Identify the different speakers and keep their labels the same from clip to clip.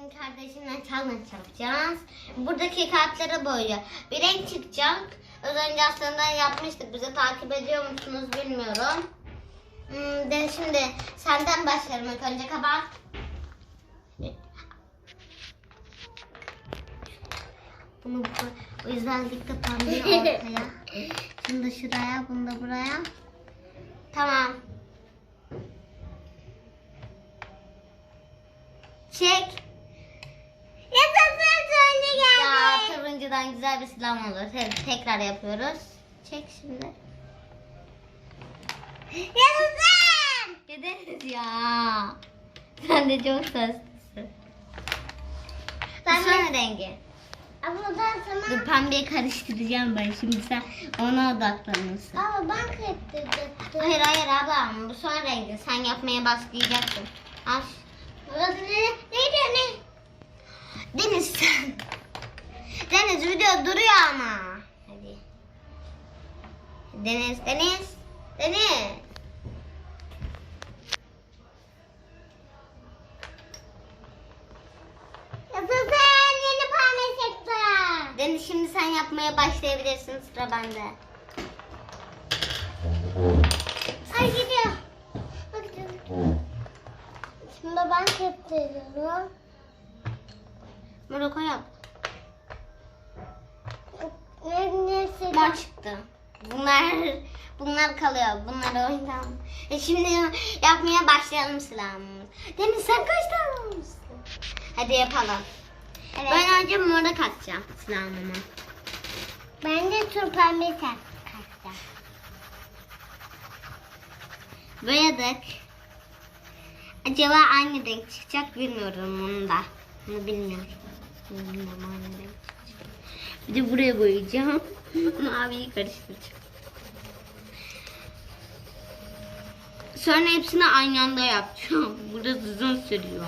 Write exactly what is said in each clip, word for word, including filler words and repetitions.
Speaker 1: Bugün kardeşimle challenge yapacağız. Buradaki kartlara boyuyor. Bir renk çıkacak. Az önce aslında yapmıştık. Bizi takip ediyor musunuz bilmiyorum. Hmm, de şimdi senden başlarım ilk önce kapat. Bunu bu özellikle pembe ortaya. Şunu da şuraya, bunu da buraya. Tamam. Çek. Yaşasın turuncu geldi. Ya turuncudan güzel bir silah olur. Te- tekrar yapıyoruz. Çek şimdi. Yaşasın. Gideriz ya. Sen de çok seslisin. Ben son rengi. Abladan sana... Dur pembeyi karıştıracağım ben şimdi, sen ona odaklanırsın. Ama ben karıştırdım. Hayır hayır ablam, bu son rengi. Sen yapmaya başlayacaksın. Al. Burası ne? Neydi ne? Deniz sen. Deniz video duruyor ama. Hadi. Deniz, Deniz. Deniz. Yaşasın, yeni pembe çıktı. Deniz şimdi sen yapmaya başlayabilirsin, sıra bende. Ay gidiyor. Bak gidiyor. Şimdi ben keptiriyorum. Moroko yap. Ne neyse. Mor çıktı. Bunlar bunlar kalıyor. Bunlar oyundan. E şimdi yapmaya başlayalım silahımızı. Deniz sen kaç tane almışsın? Hadi yapalım. Evet. Ben önce mora katacağım silahımı. Ben de tur pembe katacağım. Boyadık. Acaba aynı renk çıkacak bilmiyorum onu da. Bunu bilmiyorum. Bunu bilmiyorum aynı renk çıkacak. Bir de buraya boyayacağım. Maviyi karıştıracağım. Sonra hepsini aynı anda yapacağım. Burada uzun sürüyor.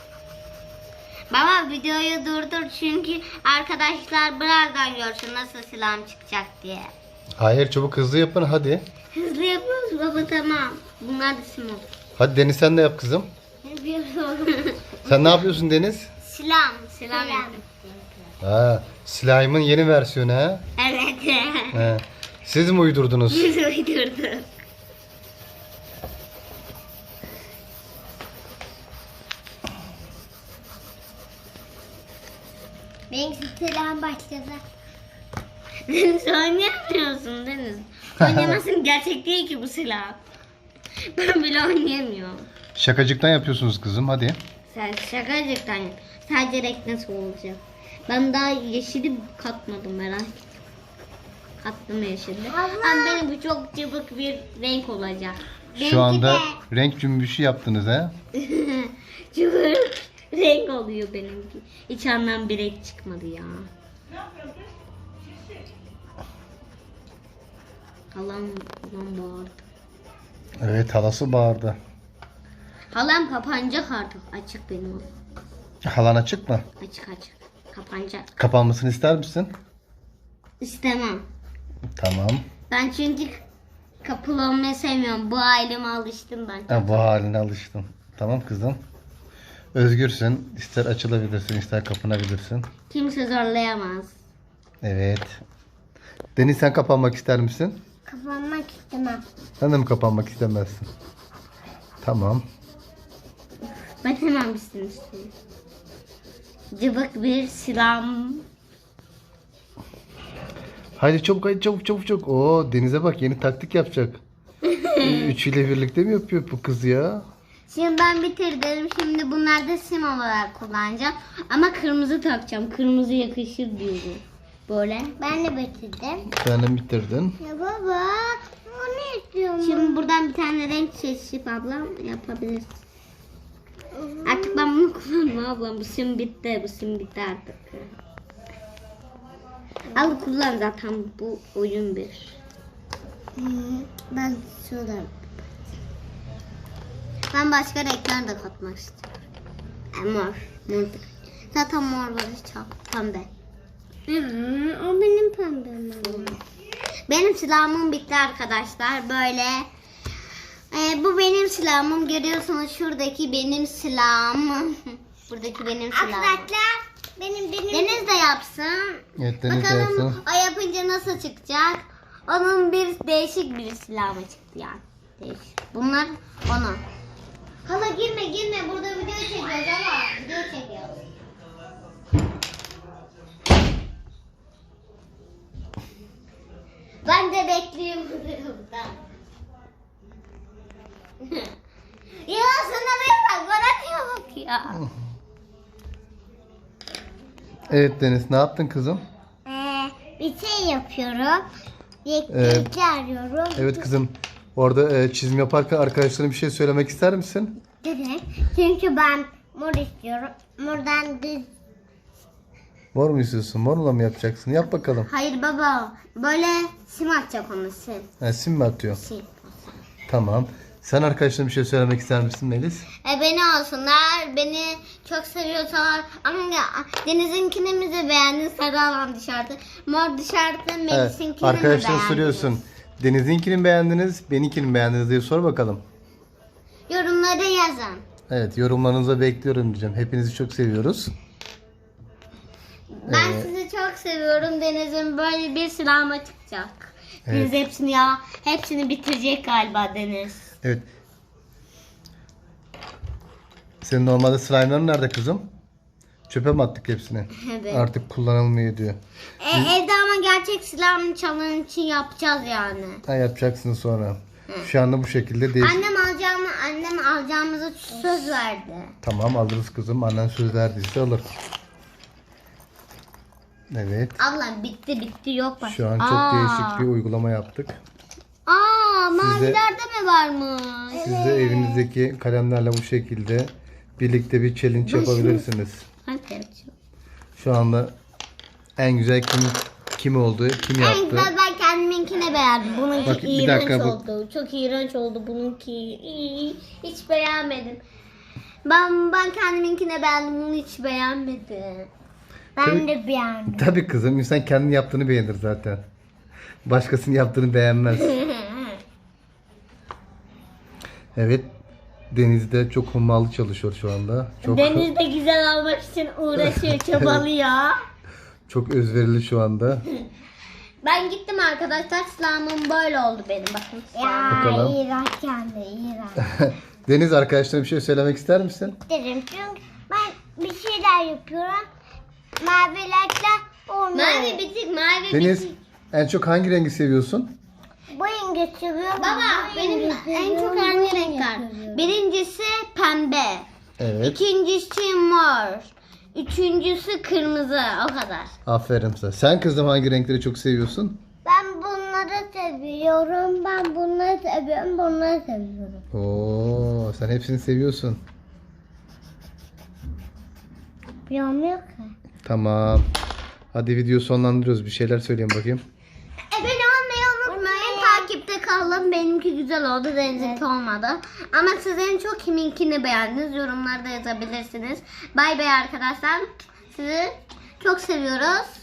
Speaker 1: Baba videoyu durdur çünkü arkadaşlar birazdan görsün nasıl silahım çıkacak diye.
Speaker 2: Hayır, çabuk hızlı yapın hadi.
Speaker 1: Hızlı yapıyoruz baba, tamam. Bunlar da sim olur.
Speaker 2: Hadi Deniz sen de yap kızım.
Speaker 1: Yapıyorum.
Speaker 2: Sen ne yapıyorsun Deniz?
Speaker 1: Silah, silah yapıyorum.
Speaker 2: Ha, slime'ın yeni versiyonu ha?
Speaker 1: Evet.
Speaker 2: He. Siz mi uydurdunuz?
Speaker 1: Biz uydurduk. Benim silahım başladı. Deniz oynayamıyorsun Deniz. Oynamasın, gerçek değil ki bu silah. Ben bile oynayamıyorum.
Speaker 2: Şakacıktan yapıyorsunuz kızım hadi.
Speaker 1: Sen şakacıktan yap. Sadece renk nasıl olacak? Ben daha yeşili katmadım, merak ettim. Kattım yeşili. Ama benim bu çok cıvık bir renk olacak.
Speaker 2: Şu anda renk cümbüşü yaptınız ha?
Speaker 1: Cıvık renk oluyor benimki. Hiç anlam bir renk çıkmadı ya. Halam, halam bağırdı.
Speaker 2: Evet, halası bağırdı.
Speaker 1: Halam kapanacak artık. Açık benim o.
Speaker 2: Halan açık mı?
Speaker 1: Açık açık. Kapanacak.
Speaker 2: Kapanmasını ister misin?
Speaker 1: İstemem.
Speaker 2: Tamam.
Speaker 1: Ben çünkü kapalı olmayı sevmiyorum. Bu aileme alıştım ben.
Speaker 2: Ha, bu haline alıştım. Tamam kızım. Özgürsün. İster açılabilirsin, ister kapanabilirsin.
Speaker 1: Kimse zorlayamaz.
Speaker 2: Evet. Deniz sen kapanmak ister misin?
Speaker 1: Kapanmak istemem.
Speaker 2: Sen de mi kapanmak istemezsin? Tamam.
Speaker 1: Ben hemen bitsin istiyorum. Cıvık bir silahım.
Speaker 2: Haydi çabuk, haydi çabuk çabuk çabuk. Oo, Deniz'e bak, yeni taktik yapacak. Üçüyle birlikte mi yapıyor bu kız ya?
Speaker 1: Şimdi ben bitirdim. Şimdi bunları da sim olarak kullanacağım. Ama kırmızı takacağım. Kırmızı yakışır diyorum. Böyle. Ben de bitirdim.
Speaker 2: Sen de bitirdin.
Speaker 1: Ya baba, o ne istiyorsun? Şimdi buradan bir tane renk seçip ablam yapabilirsin. Artık ben bunu kullanmam ablam. Bu sim bitti. Bu sim bitti artık. Al kullan, zaten bu oyun bir. Ben şurada. Ben başka renkler de katmak istiyorum. E, mor. Mor. Zaten mor var, çok pembe. Hı, o benim pembem. Benim silahımım bitti arkadaşlar. Böyle. E, bu benim silahımım. Görüyorsunuz şuradaki benim silahım. Buradaki benim silahım.
Speaker 3: Arkadaşlar benim benim.
Speaker 1: Deniz de yapsın.
Speaker 2: Evet Deniz de
Speaker 1: Bakalım
Speaker 2: yapsın.
Speaker 1: o yapınca nasıl çıkacak? Onun bir değişik bir silahı çıktı yani. Değişik. Bunlar onun. Hala girme girme, burada video çekiyoruz ama video çekiyoruz. Ben de bekliyorum burada. Ya sana bir bak, bana bak ya.
Speaker 2: Evet Deniz, ne yaptın kızım?
Speaker 3: Ee, bir şey yapıyorum.
Speaker 2: Ee,
Speaker 3: Yeklikli arıyorum.
Speaker 2: Evet kızım. Orada e, çizim yaparken arkadaşlarına bir şey söylemek ister misin?
Speaker 3: Evet. Çünkü ben mor istiyorum. Mordan düz.
Speaker 2: Mor mu istiyorsun? Morla mı yapacaksın? Yap bakalım.
Speaker 1: Hayır baba, böyle sim atacak onu, sim.
Speaker 2: Ha, sim mi atıyor?
Speaker 1: sim.
Speaker 2: Tamam. Sen arkadaşlarına bir şey söylemek ister misin Melis?
Speaker 1: E beni olsunlar, beni çok seviyorsalar. Ama ya, Deniz'inkini mi de beğendin, sarı alan dışarıda. Mor dışarıda,
Speaker 2: Evet.
Speaker 1: Melis'inkini mi
Speaker 2: Arkadaşlara
Speaker 1: beğendiniz?
Speaker 2: soruyorsun. Deniz'inkini mi beğendiniz? Benimkini mi beğendiniz diye sor bakalım.
Speaker 1: Yorumlara yazın.
Speaker 2: Evet, yorumlarınızı bekliyorum diyeceğim. Hepinizi çok seviyoruz.
Speaker 1: Ben
Speaker 2: Ee,
Speaker 1: sizi çok seviyorum. Deniz'in böyle bir silahıma çıkacak. Deniz
Speaker 2: Evet.
Speaker 1: hepsini ya, hepsini bitirecek galiba Deniz.
Speaker 2: Evet. Senin normalde slime'ların nerede kızım? Çöpe mi attık hepsini?
Speaker 1: Evet.
Speaker 2: Artık kullanılmıyor diyor.
Speaker 1: E, evde ama gerçek silahımı çalan için yapacağız yani.
Speaker 2: Ha, yapacaksın sonra. Şu anda bu şekilde değil.
Speaker 1: Annem alacağımı, annem alacağımıza söz verdi.
Speaker 2: Tamam, alırız kızım. Annen söz verdiyse alır. Evet.
Speaker 1: Ablam bitti bitti yok başka.
Speaker 2: Şu an çok
Speaker 1: Aa.
Speaker 2: değişik bir uygulama yaptık.
Speaker 1: Aa,
Speaker 2: Siz de-
Speaker 1: mavilerde mi varmış?
Speaker 2: Siz de evinizdeki kalemlerle bu şekilde birlikte bir challenge yapabilirsiniz.
Speaker 1: Hadi yapacağım.
Speaker 2: Şu anda en güzel kim kim oldu, kim
Speaker 1: En
Speaker 2: yaptı?
Speaker 1: güzel ben kendiminkini beğendim. Bununki
Speaker 2: Bak, bir
Speaker 1: iğrenç
Speaker 2: dakika, bu-
Speaker 1: oldu. Çok iğrenç oldu bununki. İyi, hiç beğenmedim. Ben ben kendiminkine beğendim, bunu hiç beğenmedim.
Speaker 3: Ben
Speaker 2: Tabii-
Speaker 3: de beğendim.
Speaker 2: Tabii kızım, insan kendini yaptığını beğenir zaten. Başkasının yaptığını beğenmez. Evet. Deniz'de çok hummalı çalışıyor şu anda. Çok
Speaker 1: Deniz de güzel almak için uğraşıyor, çabalıyor.
Speaker 2: çok özverili şu anda.
Speaker 1: Ben gittim arkadaşlar, silahım böyle oldu benim, bakın.
Speaker 3: Ya
Speaker 2: Bakalım.
Speaker 3: iğrenç kendi iğrenç.
Speaker 2: Deniz, arkadaşlarına bir şey söylemek ister misin?
Speaker 3: Derim çünkü ben bir şeyler yapıyorum. Mavilerle onu.
Speaker 1: Mavi bitik, mavi
Speaker 2: Deniz,
Speaker 1: bitik.
Speaker 2: en çok hangi rengi seviyorsun?
Speaker 3: Bu rengi seviyorum.
Speaker 1: Baba
Speaker 3: bu
Speaker 1: benim
Speaker 3: rengi
Speaker 1: en çok
Speaker 3: seviyorum,
Speaker 1: hangi
Speaker 3: bu rengi
Speaker 1: renkler?
Speaker 3: seviyorum.
Speaker 1: Birincisi pembe.
Speaker 2: Evet.
Speaker 1: İkincisi mor. Üçüncüsü kırmızı, o kadar.
Speaker 2: Aferin sana. Sen kızım hangi renkleri çok seviyorsun?
Speaker 3: Ben bunları seviyorum. Ben bunları seviyorum. Bunları seviyorum.
Speaker 2: Oo, sen hepsini seviyorsun.
Speaker 3: Bilmiyorum ki.
Speaker 2: Tamam. Hadi video sonlandırıyoruz. Bir şeyler söyleyin bakayım.
Speaker 1: Abone olmayı unutmayın. Takipte kalın. Benimki güzel oldu. Deniz'inki olmadı. Ama siz en çok kiminkini beğendiniz? Yorumlarda yazabilirsiniz. Bay bay arkadaşlar. Sizi çok seviyoruz.